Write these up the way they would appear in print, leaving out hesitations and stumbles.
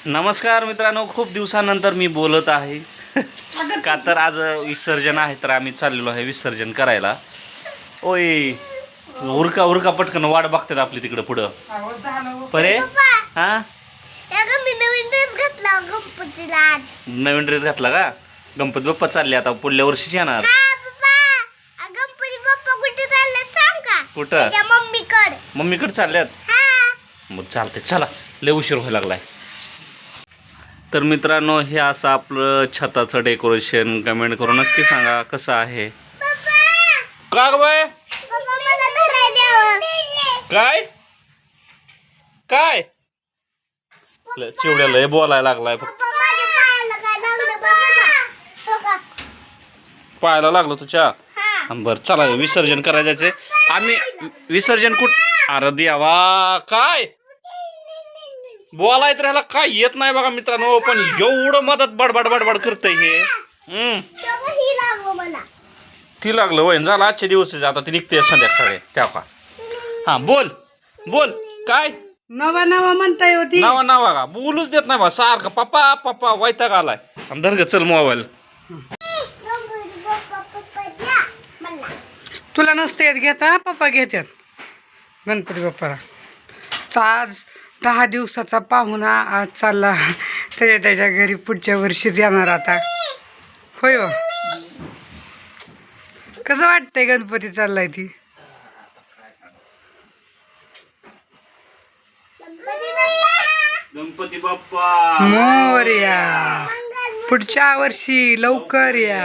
नमस्कार मित्रांनो, खूप दिवसानंतर मी बोलत आहे का तर आज विसर्जन आहे, तर आम्ही चाललेलो आहे विसर्जन करायला. ओय उरका उरका पटकन, वाट बघतात आपली तिकडं पुढं. परे हा मी नवीन ड्रेस घातला गणपतीला आज. नवीन ड्रेस घातला का? गणपती बाप्पा चालले आता, पुढल्या वर्षीच येणार. गणपती बाप्पा कुठे चालले सांग का? कुठं? त्याच्या मम्मीकडे चालल्यात. मग चालते, चला, लय उशीर व्हायला लागलाय. तर मित्रांनो, हे असं आपलं छताचं डेकोरेशन. कमेंट करून नक्की सांगा कसं आहे. का ग बाय? काय काय चिवड्याला हे बोलायला लागलाय. पाहायला लागलो तुझ्या. बर चला, विसर्जन करायचे. आम्ही विसर्जन अरे देवा, काय बोलायत राहिला, काय येत नाही बघा मित्रांनो. पण एवढं मदत बडबड बडबड करतय हे. ती लागलं वय झालं. आजचे दिवस आता ती निघते संध्याकाळी त्या का. हा बोल बोल. काय नवा नवा म्हणताय होती. नावा नावा का बोलूच देत नाही बा, सारखं पप्पा पप्पा वैताग आलाय. धर ग, चल मोबाईल. तुला नसते येत घेता, पप्पा घेतात गणपती बाप्पाला. आज 10 दिवसाचा पाहुणा आज चालला त्याच्या घरी, पुढच्या वर्षीच येणार आता. होय हो. कसं वाटतंय गणपती चाललाय ती? गणपती बाप्पा मोरया. पुढच्या वर्षी लवकर या.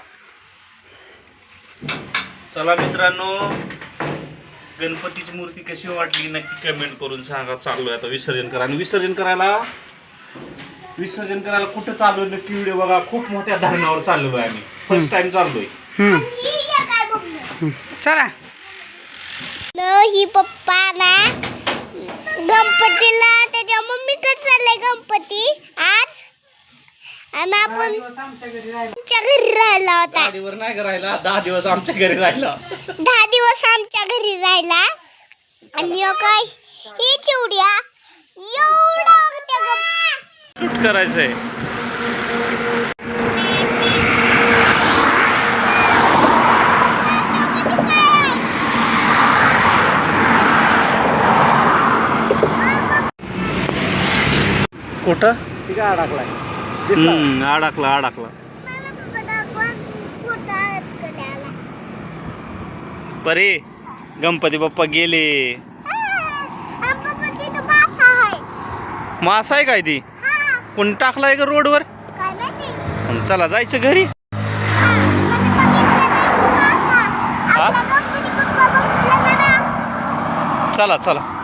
चला मित्रांनो, गणपतीची मूर्ती कशी वाटली नक्की कमेंट करून सांगा. चाललोय आता विसर्जन करा. आणि विसर्जन करायला कुठं चाललोय नक्की व्हिडिओ बघा. खूप मोठ्या धरणावर चाललोय आम्ही, फर्स्ट टाइम चाललोय. चला. ही पप्पा ना गणपतीला त्याच्या मम्मीकडे चाललंय गणपती आज. आणि आपण आमच्या घरी राहिला होता. 10 दिवस नाही राहिला, 10 दिवस आमच्या घरी राहिला. 10 दिवस आमच्या घरी राहिला. आणि काय ही चिवड्या एवढा शूट करायचंय. कुठं अडकला. परे गणपती बाप्पा गेले. मासा आहे काय ती? कोण टाकलाय का रोडवर? चला जायचं घरी. चला चला.